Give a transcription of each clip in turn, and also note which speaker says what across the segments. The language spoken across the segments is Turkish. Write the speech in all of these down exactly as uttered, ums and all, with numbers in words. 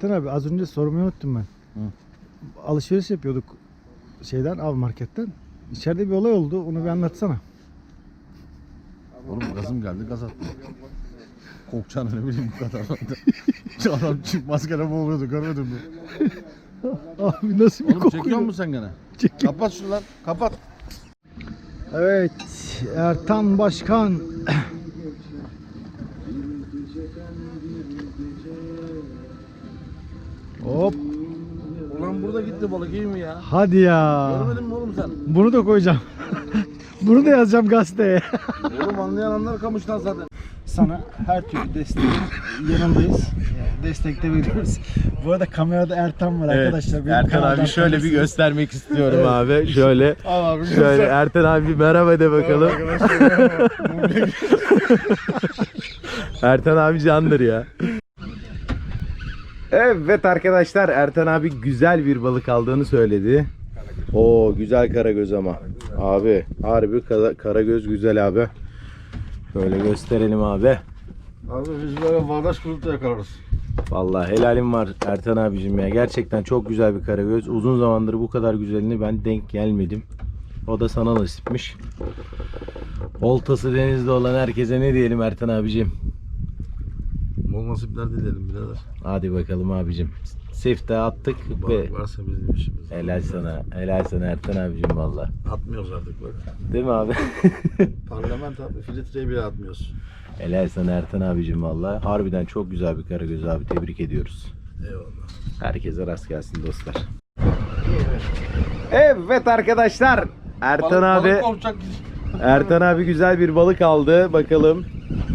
Speaker 1: Ertan abi az önce sormayı unuttum ben.
Speaker 2: Hı.
Speaker 1: Alışveriş yapıyorduk şeyden, av marketten. İçeride bir olay oldu. Onu bir anlatsana.
Speaker 2: Oğlum gazım geldi, gaz attım. Korkacağını ne bileyim bu kadar. Adam çık maskele boğuluyordu, görmedin mi?
Speaker 1: Abi nasıl bir
Speaker 2: Oğlum
Speaker 1: koku?
Speaker 2: çekiyor musun sen gene?
Speaker 1: Çekiyor.
Speaker 2: Kapat şunu lan, kapat.
Speaker 1: Evet, Ertan Başkan. Hop.
Speaker 2: Ulan burada gitti balık, iyi mi ya?
Speaker 1: Hadi ya.
Speaker 2: Görmedin mi oğlum sen?
Speaker 1: Bunu da koyacağım. Bunu da yazacağım gazeteye.
Speaker 2: Oğlum anlayan anlar kamıştan zaten.
Speaker 1: Sana her türlü destek yanındayız. Destekte veriyoruz. Bu arada kamerada Ertan var arkadaşlar. Benim
Speaker 3: Ertan
Speaker 1: kanaldan
Speaker 3: abi şöyle bir
Speaker 1: tanırsınız.
Speaker 3: göstermek istiyorum
Speaker 1: Evet.
Speaker 3: abi. Şöyle
Speaker 2: Al abi.
Speaker 3: şöyle Ertan abi bir merhaba de bakalım. Ertan abi candır ya. Evet arkadaşlar, Ertan abi güzel bir balık aldığını söyledi. Oo güzel karagöz ama. Abi harbi kara- karagöz güzel abi. Şöyle gösterelim abi.
Speaker 2: Abi biz böyle bağdaş kurup da yakalarız.
Speaker 3: Vallahi helalim var Ertan abicim ya. Gerçekten çok güzel bir karagöz. Uzun zamandır bu kadar güzelini ben denk gelmedim. O da sana nasipmiş. Oltası denizde olan herkese ne diyelim Ertan abicim?
Speaker 2: Bol nasipler dileyelim birader.
Speaker 3: Hadi bakalım abicim. Sifte attık ve
Speaker 2: Balık varsa bizim işimiz.
Speaker 3: helal sana. Helal sana Ertan abicim valla.
Speaker 2: Atmıyoruz artık bak.
Speaker 3: Değil mi abi?
Speaker 2: Parlament abi, filtreyi bile atmıyoruz.
Speaker 3: Helal sana Ertan abicim valla. Harbiden çok güzel bir karagöz abi. Tebrik ediyoruz.
Speaker 2: Eyvallah.
Speaker 3: Herkese rast gelsin dostlar. Evet arkadaşlar. Ertan abi
Speaker 2: Balık korkacak.
Speaker 3: Ertan abi güzel bir balık aldı. Bakalım.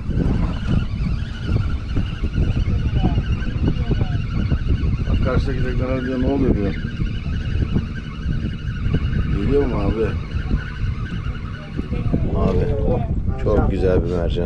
Speaker 2: Bak karşıdaki tekneler diyor, ne oluyor diyor. Geliyor mu abi?
Speaker 3: Abi çok güzel bir mercan.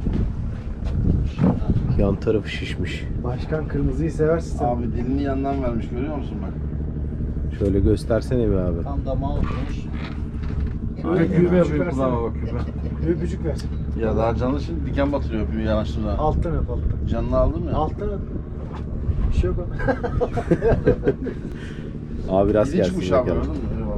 Speaker 3: Yan tarafı şişmiş.
Speaker 1: Başkan kırmızıyı seversin sen.
Speaker 2: Abi dilini yandan vermiş, görüyor musun bak.
Speaker 3: Şöyle göstersene bir abi.
Speaker 2: Tam damağı oturmuş.
Speaker 1: Şöyle küpe
Speaker 2: Şu
Speaker 1: versene.
Speaker 2: kulağıma bak, küpe.
Speaker 1: Öpücük ver.
Speaker 2: Ya daha canlı, şimdi diken batırıyor, öpüyor yanaştığında.
Speaker 1: Alttan öp alttan.
Speaker 2: Canını aldım ya.
Speaker 1: Alttan öp. Bir şey yok ama.
Speaker 3: Abi rast
Speaker 2: Dili
Speaker 3: gelsin
Speaker 2: çıkmış abi,
Speaker 3: bakalım.
Speaker 2: gördün mü? Eyvallah.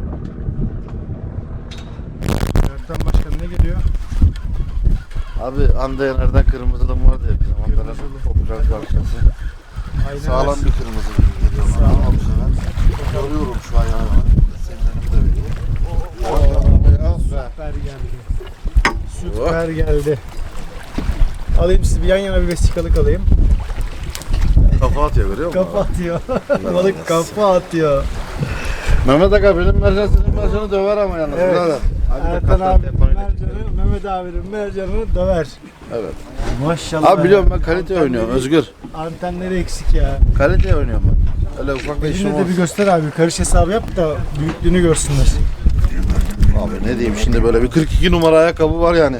Speaker 1: Ertan Başkan ne geliyor?
Speaker 2: Abi Andayener'den kırmızı da vardı ya bir zamanlar. Popüler parçası.
Speaker 1: Aynen
Speaker 2: Sağlam
Speaker 1: öyle.
Speaker 2: bir kırmızı gibi geliyor bana. Al bu sefer. Görüyorum şu an yani. Seninlerini de veriyor.
Speaker 1: Süper geldi. Süper geldi. Alayım sizi bir yan yana bir vesikalık alayım.
Speaker 2: Kafa atıyor, görüyor musun?
Speaker 1: Kafa atıyor. Balık kafa atıyor.
Speaker 2: Mehmet Aga benim mercan senin mercanı döver ama yalnız
Speaker 1: Evet.
Speaker 2: birader.
Speaker 1: Ertan abi mercanı, Mehmet abinin mercanını döver.
Speaker 2: Evet.
Speaker 1: Maşallah.
Speaker 2: Abi biliyorum ben kalite oynuyorum Özgür.
Speaker 1: Antenleri eksik ya.
Speaker 2: Kalite oynuyorum ben. Öyle ufak bir işim
Speaker 1: Yine de bir
Speaker 2: olsun.
Speaker 1: göster abi. Karış hesabı yap da büyüklüğünü görsünler.
Speaker 2: Abi ne diyeyim şimdi, böyle bir kırk iki numara ayakkabı var yani.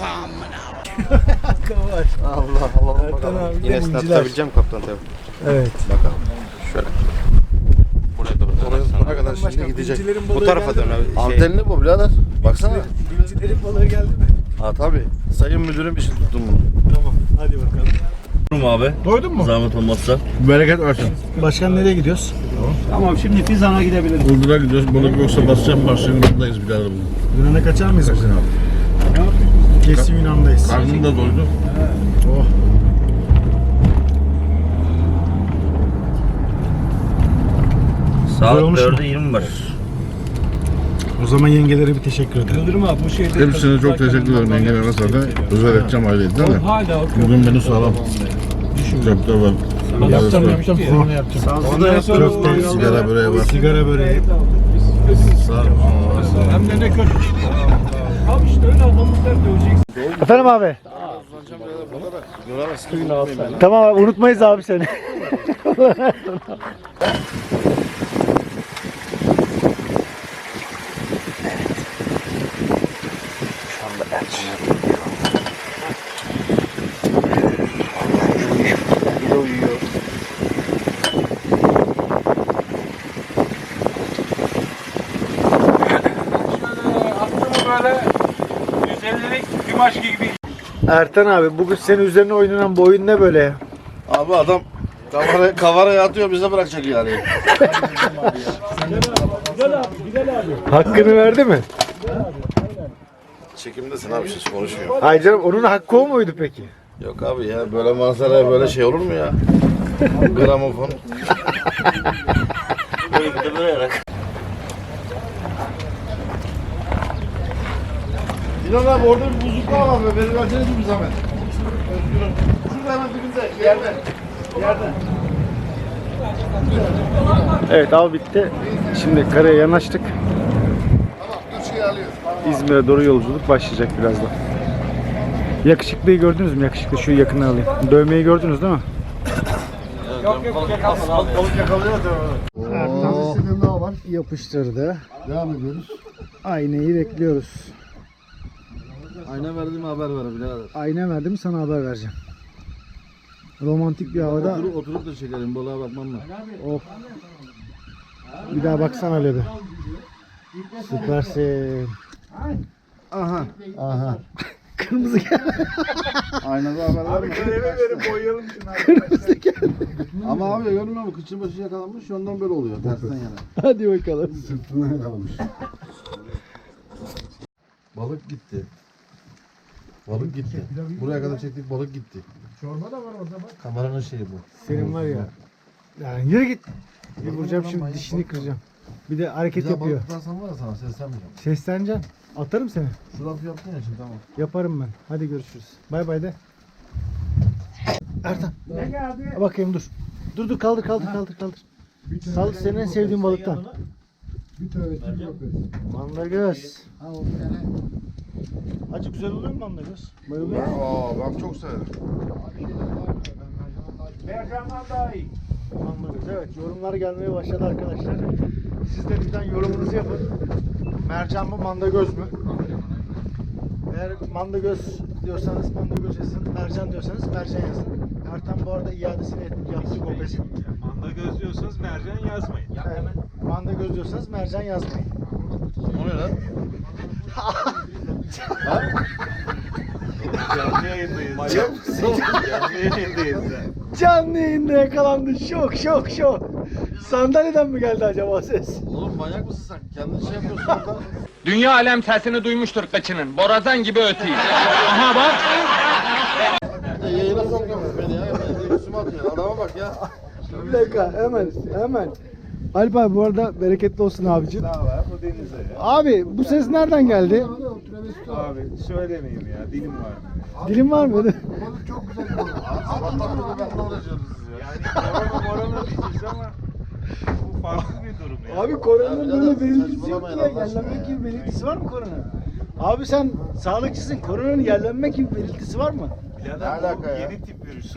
Speaker 1: Hakkı var.
Speaker 2: Allah Allah.
Speaker 1: Ertan abi
Speaker 4: Yine
Speaker 1: de
Speaker 4: snap
Speaker 1: inciler.
Speaker 4: tutabileceğim kaptan tabii.
Speaker 1: Evet.
Speaker 4: Bakalım. Şöyle. Buraya doğru
Speaker 2: Oraya
Speaker 4: dönersen.
Speaker 2: buna kadar şimdi gidecek.
Speaker 1: Bincilerin
Speaker 4: Bu
Speaker 1: balığı
Speaker 4: tarafa
Speaker 1: geldi
Speaker 4: dön
Speaker 1: mi?
Speaker 4: abi. Şey,
Speaker 2: Antenli bu birader. Baksana.
Speaker 1: Bincilerin balığı geldi mi?
Speaker 2: Ha tabii. Sayın müdürüm için tuttum bunu.
Speaker 1: Tamam. Hadi bakalım.
Speaker 5: abi.
Speaker 1: Doydun mu?
Speaker 5: Zahmet olmazsa.
Speaker 2: Bereket versin.
Speaker 1: Başkan nereye gidiyoruz?
Speaker 5: Tamam şimdi Fizan'a gidebiliriz.
Speaker 2: Burdur'a gidiyoruz. Balık yoksa basacağım başlayın. Buradayız birader bugün.
Speaker 1: Yunan'a kaçar mıyız bugün abi? Kesin Yunan'dayız.
Speaker 2: Karnım da doydu.
Speaker 1: Oh.
Speaker 5: Saat
Speaker 1: olmuş mu?
Speaker 5: dörde yirmi var.
Speaker 1: O zaman yengelere bir teşekkür ederim.
Speaker 5: Yıldırım abi bu şeyde...
Speaker 2: Hepsine çok teşekkür ederim. Yengelerine zaten özel edeceğim aileydi değil mi?
Speaker 5: Hala
Speaker 2: Bugün beni sağlam. Köfte var.
Speaker 1: Yapacağım yapacağım. Onu yapacağım.
Speaker 2: Onu da yaptım.
Speaker 1: Köfte,
Speaker 2: Sigara böreği var.
Speaker 1: sigara böreği.
Speaker 2: Sağ ol.
Speaker 5: Hem de ne kötü. Abi işte öyle adamızlar döveceksin.
Speaker 1: Efendim abi. Tamam abi unutmayız abi seni.
Speaker 5: Böyle yüz ellilik bir maç gibi.
Speaker 1: Ertan abi bugün senin üzerine oynanan bu oyun ne böyle ya?
Speaker 2: Abi adam Kavara, kavaraya atıyor bize bırakacak yani.
Speaker 5: Hakkını verdi mi?
Speaker 2: Çekimdesin abi siz konuşmuyor.
Speaker 5: Hayır canım, onun hakkı o muydu peki?
Speaker 2: Yok abi ya böyle manzaraya böyle şey olur mu ya? Gramofon. Böyle bir de böyle rak. Dilan abi orada bir buzluk var abi. Beni verseniz bir zahmet. Özgür'üm. Şurada hemen dibinde. Yerde. Yerde.
Speaker 1: Evet, av bitti. Şimdi karaya yanaştık.
Speaker 2: Tamam. Üç şey alıyoruz.
Speaker 1: İzmir'e doğru yolculuk başlayacak birazdan. Yakışıklıyı gördünüz mü? Yakışıklı, şu yakını alayım. Dövmeyi gördünüz değil mi?
Speaker 2: Yok yok yakalsın. Balık yakalıyor da.
Speaker 1: Ertan istediğin daha var. Yapıştırdı.
Speaker 2: Devam ediyoruz.
Speaker 1: Aynayı bekliyoruz.
Speaker 2: Ayna verdiğim haber ver birader.
Speaker 1: Ayna verdim, sana haber vereceğim. Romantik bir havada.
Speaker 2: Oturup, oturup da çekelim balığa bakmam mı?
Speaker 1: Of. Bir daha baksana öyle bir. Süpersin.
Speaker 2: Aha.
Speaker 1: Aha. Kırmızı geldi.
Speaker 2: Aynada haber var mı?
Speaker 5: Kalemi verip boyayalım şunu.
Speaker 1: Kırmızı geldi.
Speaker 2: Ama abi görmüyor musun? Kıçın başı yakalanmış ondan böyle oluyor. Tersten yana.
Speaker 1: Hadi bakalım.
Speaker 2: Sırtına yakalamış. Balık gitti. Balık gitti. Buraya kadar çektik balık gitti.
Speaker 5: Çorba da var orada bak.
Speaker 2: Kameranın şeyi bu.
Speaker 1: Senin var ya. Yani yürü git. Bir vuracağım şimdi, dişini kıracağım. Bir de hareket
Speaker 2: Güzel
Speaker 1: yapıyor.
Speaker 2: balık tutarsam var ya sana seslenmeyeceğim.
Speaker 1: Sesleneceksin. Atarım seni.
Speaker 2: Şu lafı yaptın ya şimdi tamam.
Speaker 1: Yaparım ben. Hadi görüşürüz. Bay bay de. Ertan.
Speaker 5: Ne geldi?
Speaker 1: Bakayım dur. Dur dur kaldır kaldır kaldır kaldır. Sal, senin en sevdiğin balıktan.
Speaker 5: Bir tövbe yok.
Speaker 1: Mandagöz. Acı güzel oluyor mu mandagöz? Bayılıyor musun?
Speaker 2: Aa ben çok severim.
Speaker 5: Mercanlar daha iyi.
Speaker 1: Mandagöz. Evet, yorumlar gelmeye başladı arkadaşlar. Siz de lütfen yorumunuzu yapın. Mercan mı, mandagöz mü? Eğer mandagöz diyorsanız mandagöz yazın. Mercan diyorsanız mercan yazın. Ertan bu arada iadesini yaptı Gopes'in.
Speaker 5: Manda gözlüyorsanız mercan yazmayın.
Speaker 1: Evet. Mandagöz diyorsanız mercan yazmayın.
Speaker 2: O ne lan?
Speaker 5: Canlı yayındayız. Manyak mısın? Canlı yayındayız ya.
Speaker 1: Canlı yayında yakalandı. Şok şok şok. Sandalyeden mi geldi acaba ses?
Speaker 2: Oğlum manyak mısın sen? Kendin şey yapıyorsun orada.
Speaker 6: Dünya alem sesini duymuştur kıçının. Borazan gibi ötüyor. Aha bak.
Speaker 2: Ya yayına sokuyormuş beni ya. Beni de üstüme atıyor. Adama bak ya.
Speaker 1: Bir dakika hemen hemen. Alp abi bu arada bereketli olsun abicim.
Speaker 5: Ne var bu denize ya?
Speaker 1: Abi bu ses nereden geldi?
Speaker 5: Abi söylemeyeyim ya, dilim var.
Speaker 1: Dilim var mı?
Speaker 2: Sabahtan beri benimle uğraşıyoruz siz ya.
Speaker 5: Yani korona morona diyeceğiz ama bu farklı bir durum ya.
Speaker 1: Abi koronanın
Speaker 2: Ya
Speaker 1: böyle
Speaker 2: birader,
Speaker 1: belirtisi yok
Speaker 2: saçmalamayın
Speaker 1: ya.
Speaker 2: Allah aşkına
Speaker 1: Yerlenmek
Speaker 2: ya.
Speaker 1: gibi belirtisi var mı korona? Abi sen sağlıkçısın. Koronanın yerlenmek gibi belirtisi var mı?
Speaker 5: Birader,
Speaker 2: Ne alaka
Speaker 5: bu
Speaker 2: ya?
Speaker 5: Yeni tip virüs.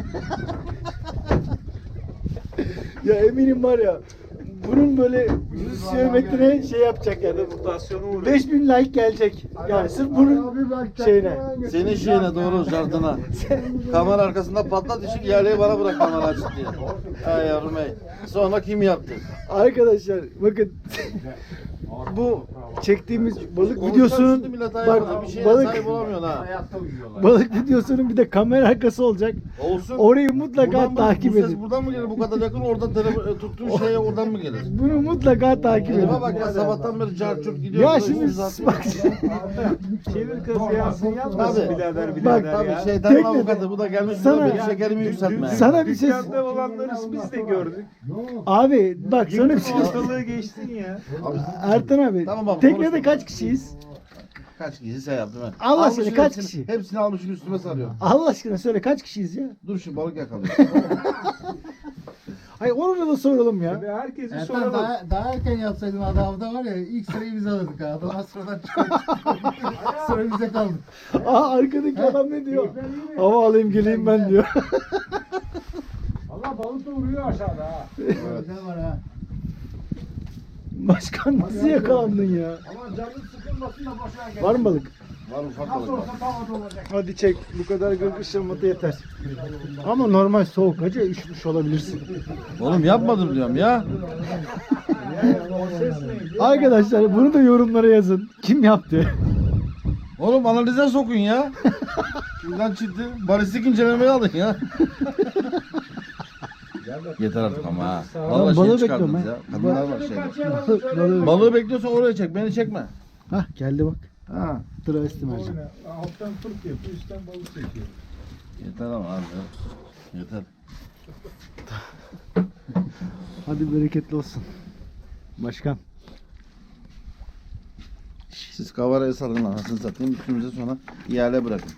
Speaker 1: Ya eminim var ya. Bunun böyle yüz sevmekine şey yapacak yani.
Speaker 5: Mutasyona uğruyor.
Speaker 1: beş bin like gelecek. Yani sırf bunun şeyine.
Speaker 2: Senin şeyine doğru jardına. Kamera arkasında patlat işi yerliği bana bırak kamera açık diye. Ay yavrum ey. Sonra kim yaptı?
Speaker 1: Arkadaşlar bakın bu çektiğimiz balık
Speaker 2: Konuşacağım
Speaker 1: videosunun
Speaker 2: şimdi millet
Speaker 1: bak
Speaker 2: ayağına. Bir şeye
Speaker 1: balık
Speaker 2: sahip olamıyorsun ha.
Speaker 1: balık videosunun bir de kamera arkası olacak.
Speaker 2: Olsun.
Speaker 1: Orayı mutlaka
Speaker 2: Buradan mı-
Speaker 1: takip
Speaker 2: bu ses
Speaker 1: edin.
Speaker 2: buradan mı gelir? Bu kadar yakın oradan telefon tuttuğun şeye oradan mı gelir?
Speaker 1: Bunu mutlaka takip edin.
Speaker 2: Elime bak ya sabahtan beri carçurt gidiyor.
Speaker 1: Ya
Speaker 2: Böyle
Speaker 1: şimdi
Speaker 2: üstümüze atıyor.
Speaker 1: bak
Speaker 5: Çevir kız yansın yapmasın
Speaker 2: Tabii.
Speaker 5: birader
Speaker 1: Bak,
Speaker 5: birader
Speaker 2: Tabii
Speaker 5: ya.
Speaker 2: şeytanın
Speaker 1: Tekne-
Speaker 2: avukatı bu da gelmiş
Speaker 1: Sana-
Speaker 2: burada benim şekerimi yükseltme.
Speaker 1: sana bir ses
Speaker 5: Dükkanda olanları biz de gördük.
Speaker 1: abi bak sana bir
Speaker 5: Yıktın
Speaker 1: şey
Speaker 5: ortalığı geçtin ya.
Speaker 1: Ertan abi
Speaker 2: Tamam abi,
Speaker 1: teknede
Speaker 2: konuşma.
Speaker 1: kaç kişiyiz?
Speaker 2: Kaç kişi sen yaptın ben.
Speaker 1: Allah
Speaker 2: Almışsın
Speaker 1: aşkına kaç
Speaker 2: hepsini-
Speaker 1: kişi?
Speaker 2: Hepsini almışsın üstüme sarıyor.
Speaker 1: Allah aşkına söyle kaç kişiyiz ya?
Speaker 2: Dur şu balık yakalıyor.
Speaker 1: Hayır onu da soralım ya.
Speaker 5: Ve herkesi
Speaker 7: Ertan
Speaker 5: soralım.
Speaker 7: daha, daha erken yapsaydım adamda var ya ilk sırayı biz alırdık ha. Adam sıradan çıkıyor. Sıra bize kaldı.
Speaker 1: Aa arkadaki adam ne diyor? Hava alayım geleyim ben diyor.
Speaker 5: Allah balık da vuruyor aşağıda ha.
Speaker 7: Güzel var ha.
Speaker 1: Başkan nasıl yakalandın ya?
Speaker 5: Ama canın sıkılmasın da boşuna gel.
Speaker 1: Var mı balık?
Speaker 2: Var ufak
Speaker 5: Nasıl
Speaker 2: balık var.
Speaker 5: olsa tavada olacak.
Speaker 1: Hadi çek. Bu kadar gırgır şırmatı yeter. Ama normal soğuk hacı üşümüş olabilirsin.
Speaker 2: Oğlum yapmadım diyorum ya.
Speaker 1: Arkadaşlar bunu da yorumlara yazın. Kim yaptı?
Speaker 2: Oğlum analize sokun ya. Şuradan çıktı. Balistik incelemeyi alın ya. Yeter artık ama ha.
Speaker 7: Lan
Speaker 2: Vallahi
Speaker 7: balığı
Speaker 2: şey çıkardınız
Speaker 7: bekliyorum
Speaker 2: ya. Kadınlar var şeyde.
Speaker 7: Balığı-
Speaker 2: Balığı bekliyorsan oraya çek. Beni çekme.
Speaker 7: Hah geldi bak.
Speaker 2: Ha.
Speaker 7: Travesti mercan.
Speaker 5: Alttan turp yapıyor, üstten balık çekiyor.
Speaker 2: Yeter ama abi. ya. Yeter.
Speaker 7: Hadi bereketli olsun. Başkan.
Speaker 2: Siz kavaraya sarın anasını satayım. Üstümüze sonra ihale bırakın.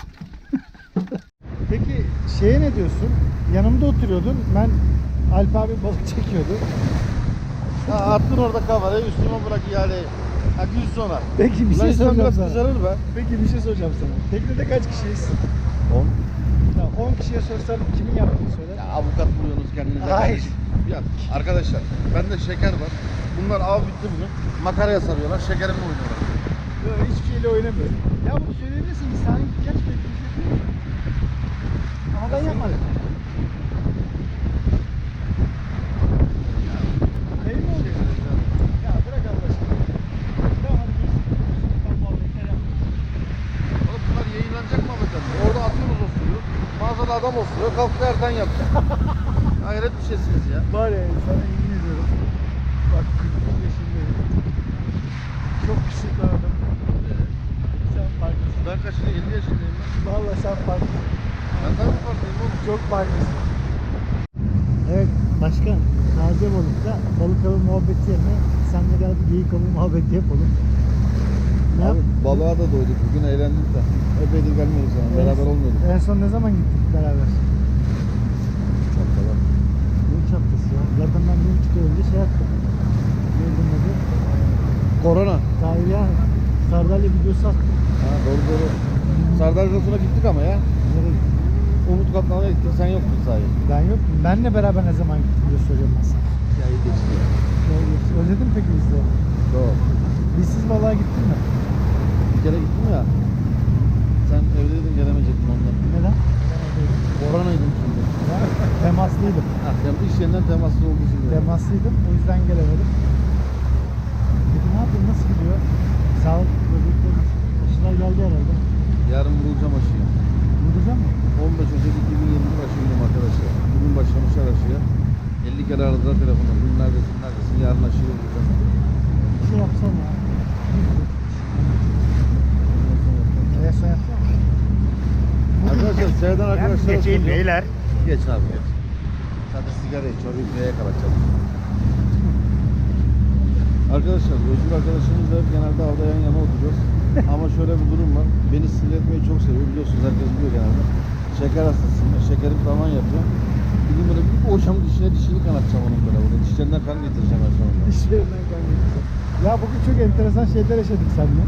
Speaker 1: Peki şeye ne diyorsun? Yanımda oturuyordun. Ben Alp abi balık çekiyordu.
Speaker 2: Ha, attın orada kavarayı üstüme bırak ihaleyi. Ha gün sonra.
Speaker 1: Peki bir
Speaker 2: Ulan
Speaker 1: şey
Speaker 2: insan
Speaker 1: soracağım
Speaker 2: biraz
Speaker 1: sana.
Speaker 2: kızarır be.
Speaker 1: Peki bir şey soracağım sana. Teknede kaç kişiyiz?
Speaker 2: On.
Speaker 1: Ya on kişiye sorsam kimin yaptığını söyler?
Speaker 2: Ya avukat buluyorsunuz kendinize.
Speaker 1: Hayır.
Speaker 2: kardeşim. Ya arkadaşlar bende şeker var. Bunlar av bitti bugün. Makaraya sarıyorlar. Şekerimle oynuyorlar.
Speaker 1: Yok hiçbir şeyle oynamıyorum. Ya bunu söyleyebilirsin. İnsanın ihtiyaç bekliyor. Ama ben yapmadım. Neyi mi oluyor? Ya bırak Allah aşkına. Tamam hadi görüşürüz. Ben muhabbetler yapmayayım.
Speaker 2: Oğlum bunlar yayınlanacak mı Ahmet'ten? Orada atıyoruz o suyu. Mağazada adam osuruyor. Kalktı erken yaptı. Hayret bir şeysiniz ya.
Speaker 1: Var ya sana yemin ediyorum. Bak kırk bir yaşındayım. Çok küçük bir adam. Sen farklısın.
Speaker 2: Ben kaçını elli yaşındayım ben.
Speaker 1: Vallahi sen farklısın.
Speaker 2: Ben tabii farklıyım oğlum.
Speaker 1: Çok farklısın. Evet başkan. Taze balıkta balık avı muhabbeti yerine senle gel bir geyik avı muhabbeti yapalım. Ne yap?
Speaker 2: Abi balığa da doyduk. Bugün eğlendik de. Epeydir gelmiyoruz yani. Beraber olmuyorduk.
Speaker 1: En son ne zaman gittik beraber?
Speaker 2: Çapkalar.
Speaker 1: Ne çaptası ya? Zaten ben bir buçuk ay önce şey yaptım. Neydi adı?
Speaker 2: Korona.
Speaker 1: Tahir ya. Sardalya videosu attım.
Speaker 2: Ha doğru doğru. Sardar Rosu'na gittik ama ya.
Speaker 1: Nereye gittin?
Speaker 2: Umut Kaplan'a gittik. Sen yoktun sahi.
Speaker 1: Ben yok. Benle beraber ne zaman gittin diye soracağım ben sana.
Speaker 2: Ya iyi geçti ya.
Speaker 1: Şey, özledin mi peki bizi?
Speaker 2: Doğru.
Speaker 1: Bizsiz balığa gittin mi?
Speaker 2: Bir kere gittim ya. Sen evdeydin gelemeyecektin ondan.
Speaker 1: Neden?
Speaker 2: Koronaydım şimdi.
Speaker 1: Ben temaslıydım.
Speaker 2: Ha, yani iş yerinden temaslı olduğu için. böyle.
Speaker 1: Temaslıydım. O yüzden gelemedim. Peki ne yapayım? Nasıl gidiyor? Sağlık böbrekleri aşılar geldi herhalde.
Speaker 2: Yarın vurulacağım aşıya.
Speaker 1: Vuracağım mı?
Speaker 2: on beş Ocak iki bin yirmi bir aşıydım arkadaşlar. Bugün başlamışlar aşıya. elli kere aradılar telefonu. Bugün neredesin neredesin? Yarın aşıyı vuracağım.
Speaker 1: Bir şey yapsana ya. En son yapsana.
Speaker 2: Arkadaşlar seyreden arkadaşlar.
Speaker 1: geçeyim beyler.
Speaker 2: Geç abi geç. Sen de sigara iç. Orayı neye kalacak? Arkadaşlar Özgür arkadaşımızla hep genelde avda yan yana oturuyoruz. Ama şöyle bir durum var. Beni sinir etmeyi çok seviyor. Biliyorsunuz herkes biliyor genelde. Şeker hastasıyım. Şekerim tavan yapıyor. Bir gün böyle bir boşam dişine dişini kanatacağım onun böyle. Burada. Dişlerinden kan getireceğim en sonunda.
Speaker 1: İşlerinden kaynaklı. Ya bugün çok enteresan şeyler yaşadık seninle.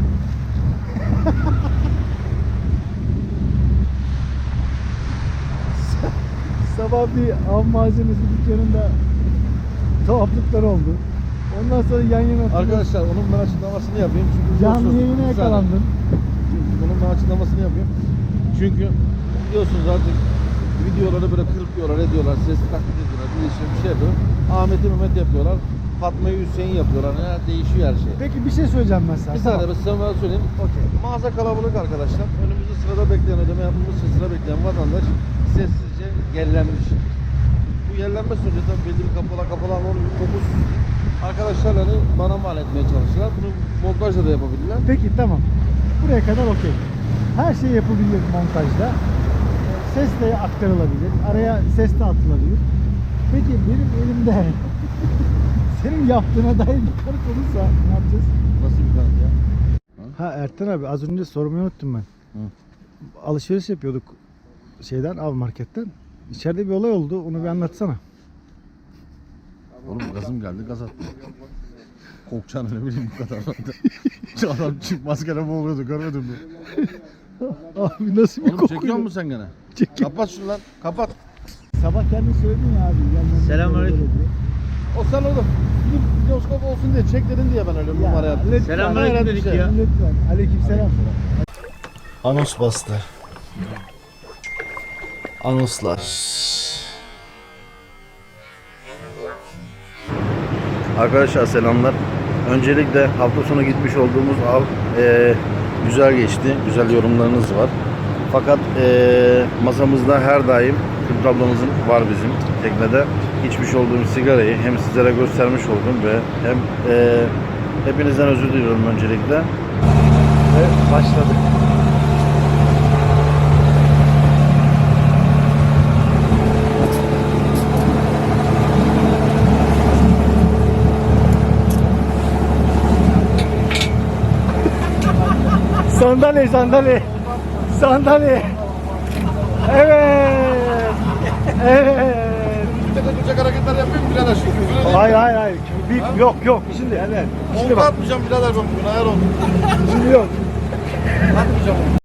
Speaker 1: Sabah bir av malzemesi dükkanında tuhaflıklar oldu. Ondan sonra yan yana oturuyoruz.
Speaker 2: Arkadaşlar onun ben açıklamasını yapayım. Çünkü
Speaker 1: Canlı
Speaker 2: biliyorsunuz-
Speaker 1: yayına
Speaker 2: Bir saniye.
Speaker 1: yakalandın.
Speaker 2: Bunun ben açıklamasını yapayım. Çünkü biliyorsunuz artık videoları böyle kırpıyorlar, ediyorlar, ses taklit ediyorlar, değişiyor bir şey yapıyorlar. Ahmet'i Mehmet yapıyorlar, Fatma'yı Hüseyin yapıyorlar. Ya, değişiyor her şey.
Speaker 1: Peki bir şey söyleyeceğim ben sana.
Speaker 2: Bir saniye ben size ben söyleyeyim.
Speaker 1: Okey.
Speaker 2: Mağaza kalabalık arkadaşlar. Önümüzde sırada bekleyen, ödeme yapmamız için sıra bekleyen vatandaş sessizce yerlenmiş. Bu yerlenme sonucu tabii belli bir kapalı kapalı ama onun bir kokusu. Arkadaşlar hani bana mal etmeye çalıştılar. Bunu montajla da yapabilirler.
Speaker 1: Peki tamam. Buraya kadar okey. Her şey yapılabilir montajda. Ses de aktarılabilir. Araya ses de atılabilir. Peki benim elimde senin yaptığına dair bir kanıt olursa ne yapacağız?
Speaker 2: Nasıl bir kanıt ya?
Speaker 1: Ha Ertan abi az önce sormayı unuttum ben.
Speaker 2: Hı.
Speaker 1: Alışveriş yapıyorduk şeyden av marketten. İçeride bir olay oldu. Onu bir anlatsana.
Speaker 2: Oğlum gazım geldi gaz attım. Kokacağını ne bileyim bu kadar. Şu adam çık maskara boğuluyordu görmedin mi?
Speaker 1: Abi nasıl bir
Speaker 2: Oğlum
Speaker 1: koku?
Speaker 2: çekiyor musun sen gene?
Speaker 1: Çekiyorum.
Speaker 2: Kapat şunu lan kapat.
Speaker 1: Sabah kendin söyledin ya abi. Selamünaleyküm.
Speaker 2: O sen oğlum bir videoskop olsun diye çek dedin diye ben öyle bir numara yaptım.
Speaker 1: Selamünaleyküm dedik ya. Lütfen. Aleykümselam.
Speaker 8: Anos bastı. Anoslar.
Speaker 2: Arkadaşlar selamlar. Öncelikle hafta sonu gitmiş olduğumuz av e, güzel geçti. Güzel yorumlarınız var. Fakat e, masamızda her daim Kürt ablamızın var bizim teknede. içmiş olduğum sigarayı hem sizlere göstermiş oldum ve hem e, hepinizden özür diliyorum öncelikle.
Speaker 1: Ve başladık. Sandalye, sandalye. Sandalye. Evet. Evet.
Speaker 2: Duracak hareketler yapayım mı birader?
Speaker 1: Hayır hayır hayır. Bir, yok yok. Şimdi evet. Şimdi
Speaker 2: Onu
Speaker 1: bak.
Speaker 2: atmayacağım birader ben bugün ayar oldum.
Speaker 1: Şimdi yok.
Speaker 2: Atmayacağım onu.